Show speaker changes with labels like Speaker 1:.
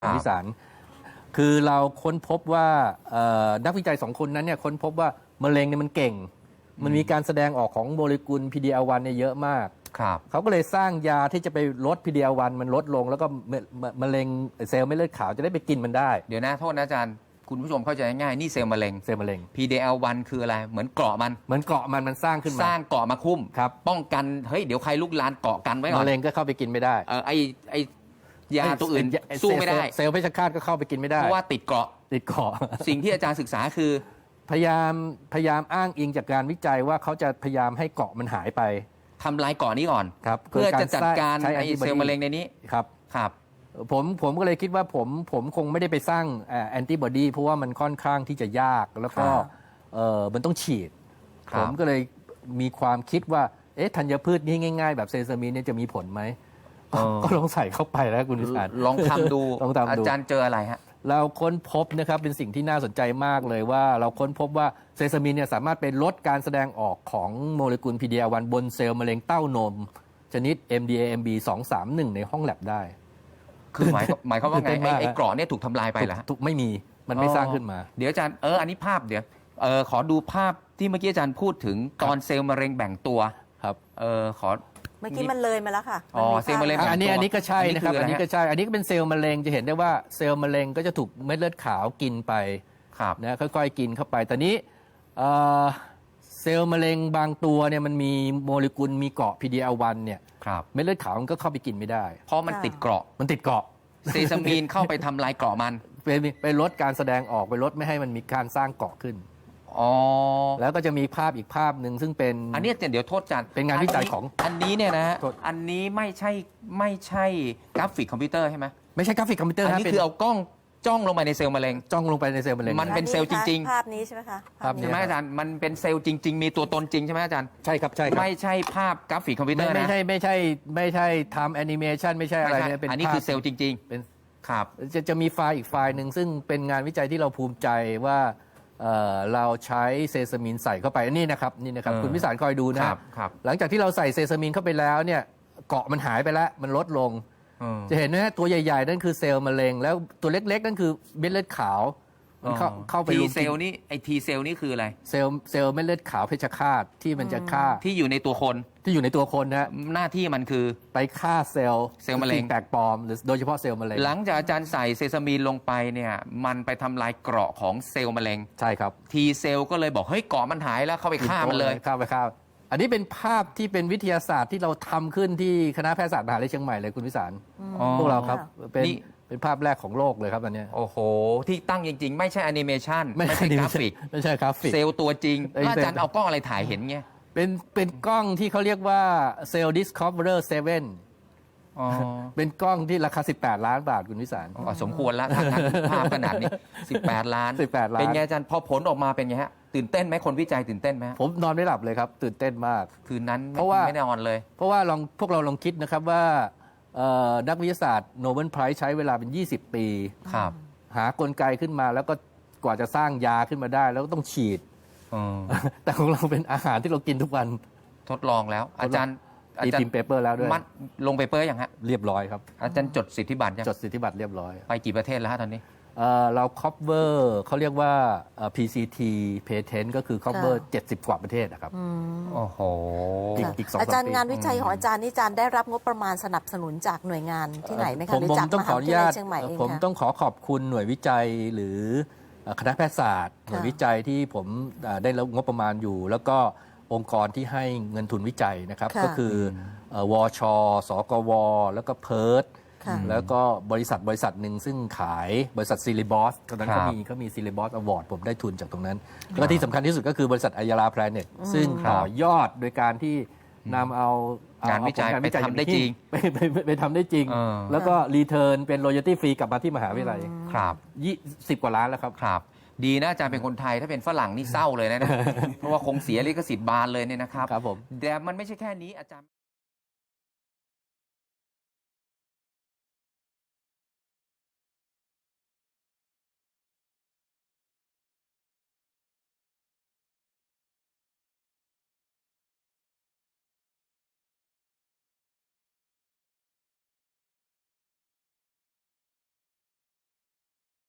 Speaker 1: วิสารคือเราค้นพบว่านักวิจัย2 คนนั้นเนี่ยค้นพบว่ามะเร็งเนี่ยมันเก่งมันมีการแสดงออกของโมเลกุล PD-L1 เนี่ยเยอะมากเขาก็เลยสร้างยาที่จะไปลด PD-L1 มันลดลงแล้วก็มะเร็งเซลล์เม็ดเลือดขาวจะได้ไปกินมันได้
Speaker 2: เดี๋ยวนะโทษนะอาจารย์คุณผู้ชมเข้าใจง่ายๆนี่เซลล์มะเร็ง PD-L1 คืออะไรเหมือนเกราะ
Speaker 1: มันสร้างขึ้นมา
Speaker 2: สร้างเกราะมาคุ้มป้องกันเฮ้ยเดี๋ยวใครลุกลานเกาะกันไว้ก่อน
Speaker 1: มะเร็งก็เข้าไปกินไม่ได้
Speaker 2: ไอยาตัวอื่นสู้ไม่ได้
Speaker 1: เซลล์เพชฌฆาตก็เข้าไปกินไม่ได้
Speaker 2: เพราะว่าติดเกราะสิ่งที่อาจารย์ศึกษาคือ
Speaker 1: พยายามอ้างอิงจากการวิจัยว่าเขาจะพยายามให้เกราะมันหา
Speaker 2: ยไปทำลายเกราะนี้ก่อนเพื่อจะจัดการไอเซลล์มะเร็งในนี้
Speaker 1: ครับผมก็เลยคิดว่าผมคงไม่ได้ไปสร้างแอนติบอดีเพราะว่ามันค่อนข้างที่จะยากแล้วก็มันต้องฉีดผมก็เลยมีความคิดว่าธัญพืชนี้ง่ายๆแบบเซซามินเนี่ยจะมีผลไหมก็ลองใส่เข้าไปแล้วคุณวิสาร
Speaker 2: ลองทำดูอาจารย์เจออะไรฮะ
Speaker 1: เราค้นพบนะครับเป็นสิ่งที่น่าสนใจมากเลยว่าเราค้นพบว่าเซซามินเนี่ยสามารถเป็นลดการแสดงออกของโมเลกุล PD-L1 บนเซลล์มะเร็งเต้านมชนิด MDAMB 231ในห้องแลบได้
Speaker 2: คือหมายความว่าไงไอ้เกราะเนี่ยถูกทำลายไปเหรอ
Speaker 1: ไม่มีมันไม่สร้างขึ้นมา
Speaker 2: เดี๋ยวอาจารย์อันนี้ภาพเดี๋ยวขอดูภาพที่เมื่อกี้อาจารย์พูดถึงตอนเซลล์มะเร็งแบ่งตัว
Speaker 1: ครับ
Speaker 2: ขอ
Speaker 3: เมื่อกี้มันเลยมาแล้วค่ะ
Speaker 2: เซลล์มะเร็ง
Speaker 1: อันนี้ก็ใช่นะครับอันนี้ก็ใช่อันนี้ก็เป็นเซลล์มะเร็งจะเห็นได้ว่าเซลล์มะเร็งก็จะถูกเม็ดเลือดขาวกินไปนะค่อยๆกินเข้าไปแต่นี้เซลล์มะเร็งบางตัวเนี่ยมันมีโมเลกุลมีเกาะ PD-L1 เนี่ยเม็ดเลือดขาวมันก็เข้าไปกินไม่ได้
Speaker 2: เพราะมันติดเกราะเซซามีนเข้าไปทำลายเกราะมัน
Speaker 1: ไปลดการแสดงออกไปลดไม่ให้มันมีการสร้างเกราะขึ้นแล้วก็จะมีภาพอีกภาพหนึ่งซึ่งเป็น
Speaker 2: อันนี้เดี๋ยวโทษจัน
Speaker 1: เป็นงานวิจัยของ
Speaker 2: อันนี้เนี่ยนะอันนี้ไม่ใช่กราฟิกคอมพิวเตอร์ใช่ไหม
Speaker 1: ไม่ใช่กราฟิกคอมพิวเตอร์
Speaker 2: อันนี้คือเอากล้องจ้องลงไปในเซลล์มะเร็ง
Speaker 1: มัน
Speaker 2: เป็นเซลล์จริง
Speaker 3: ๆภาพนี้ใช่ไหมคะ
Speaker 2: ใช่ไหมอาจารย์มันเป็นเซลล์จริงๆมีตัวตนจริงใช่ไหมอาจารย์
Speaker 1: ใช่ครับ
Speaker 2: ไม่ใช่ภาพกราฟิกคอมพิวเตอร์นะ
Speaker 1: ไม่ใช่ทำแอนิเมชันไม่ใช่อะไรเนี่ย
Speaker 2: อันนี้คือเซลล์จริง
Speaker 1: ๆเป็นครับจะมีไฟล์อีกไฟล์หนึ่งซึ่งเป็นงานวิจัยที่เราภูมิใจว่าเราใช้เซซามินใส่เข้าไปนี่นะครับคุณวิสารคอยดูนะครับหลังจากที่เราใส่เซซามินเข้าไปแล้วเนี่ยเกาะมันหายไปแล้วมันลดลงจะเห็นนะตัวใหญ่ๆนั่นคือเซลล์มะเร็งแล้วตัวเล็กๆนั่นคือเม็ดเลือดขาวมันเข้าไป
Speaker 2: ทีเซลล์นี่ไอทีเซลล์นี่คืออะไร
Speaker 1: เซลล์เม็ดเลือดขาวเพชฌฆาตที่มันจะฆ่า
Speaker 2: ที่อยู่ในตัวคน
Speaker 1: นะ
Speaker 2: หน้าที่มันคือ
Speaker 1: ไปฆ่าเซลล์
Speaker 2: มะเร็ง
Speaker 1: แปลกปลอมหรือโดยเฉพาะเซลล์มะเร็ง
Speaker 2: หลังจากอาจารย์ใส่เซซามีนลงไปเนี่ยมันไปทำลายเกราะของเซลล์มะเร็ง
Speaker 1: ใช่ครับ
Speaker 2: ทีเซลล์ก็เลยบอกเฮ้ยเกราะมันหายแล้วเข้าไปฆ่ามันเลย
Speaker 1: ฆ่าอันนี้เป็นภาพที่เป็นวิทยาศาสตร์ที่เราทำขึ้นที่คณะแพทยศาสตร์มหาวิทยาลัยเชียงใหม่เลยคุณวิสารพวกเราครับเป็นภาพแรกของโลกเลยครับอันนี้
Speaker 2: โอ้โหที่ตั้งจริงๆไม่ใช่แอนิเมชันไม่ใช่กราฟิกเซลล์ตัวจริงอาจารย์เอากล้องอะไรถ่ายเห็นเงี้ย
Speaker 1: เป็นกล้องที่เขาเรียกว่า Cell Discoverer 7เป็นกล้องที่ราคา18 ล้านบาทคุณวิสาร
Speaker 2: สมควรแล้วภาพขนาดนี้18 ล้านเป็นไงอาจารย์พอผลออกมาเป็นไงฮะตื่นเต้นไหมคนวิจัยตื่นเต้นไหม
Speaker 1: ผมนอนไม่หลับเลยครับตื่นเต้นมาก
Speaker 2: คืนนั้น
Speaker 1: เพราะว่า
Speaker 2: ไม่ได้นอนเลย
Speaker 1: เพราะว่าพวกเราลองคิดนะครับว่านักวิทยาศาสตร์โนเบิลไพรส์ใช้เวลาเป็น20 ปีหากลไกขึ้นมาแล้วก็กว่าจะสร้างยาขึ้นมาได้แล้วก็ต้องฉีดแต่ของเราเป็นอาหารที่เรากินทุกวัน
Speaker 2: ทดลองแล้วอาจารย์
Speaker 1: พิมพ์เปเปอร์แล้วด้วย
Speaker 2: ลงเปเปอร์อย่างฮะ
Speaker 1: เรียบร้อยครับ
Speaker 2: อาจารย์จดสิทธิบัตร
Speaker 1: จดสิทธิบัตรเรียบร้อย
Speaker 2: ไปกี่ประเทศแล้วฮะตอนนี้
Speaker 1: เราครอบเวอร์เขาเรียกว่า PCT Patent ก็คือครอบเวอร์70 กว่าประเทศนะครับ
Speaker 2: โอ้โห
Speaker 1: อีก2
Speaker 3: อาจารย์งานวิจัยของอาจารย์นี่อาจารย์ได้รับงบประมาณสนับสนุนจากหน่วยงานที่ไหนไหมคะหรือจากมหาวิทยาลัยเชียงใหม่เอง
Speaker 1: ผมต้องขอบคุณหน่วยวิจัยหรือคณะแพทยศาสตร์หน่วยวิจัยที่ผมได้รับงบประมาณอยู่แล้วก็องค์กรที่ให้เงินทุนวิจัยนะครับก็คือวชสกวแล้วก็เพิร์ทแล้วก็บริษัทหนึ่งซึ่งขายบริษัทซิลิบอสตอนนั้นเขามีซิลิบอสอวอร์ดผมได้ทุนจากตรงนั้นแล้วที่สำคัญที่สุดก็คือบริษัทอัยราแพลเน็ตซึ่งต่อยอดโดยการที่นำเอา
Speaker 2: งานวิจัยไปทำได้จริง
Speaker 1: ไปทำได้จริงแล้วก็รีเทิร์นเป็น royalty free กลับมาที่มหาวิทยาลัย
Speaker 2: ครับ
Speaker 1: 10 กว่าล้านแล้ว
Speaker 2: ครับดีนะอาจารย์เป็นคนไทยถ้าเป็นฝรั่งนี่เศร้าเลยนะเพราะว่าคงเสียลิขสิทธิ์บานเลยเนี่ยนะครับ
Speaker 1: ครับผม
Speaker 2: แต่มันไม่ใช่แค่นี้อาจารย์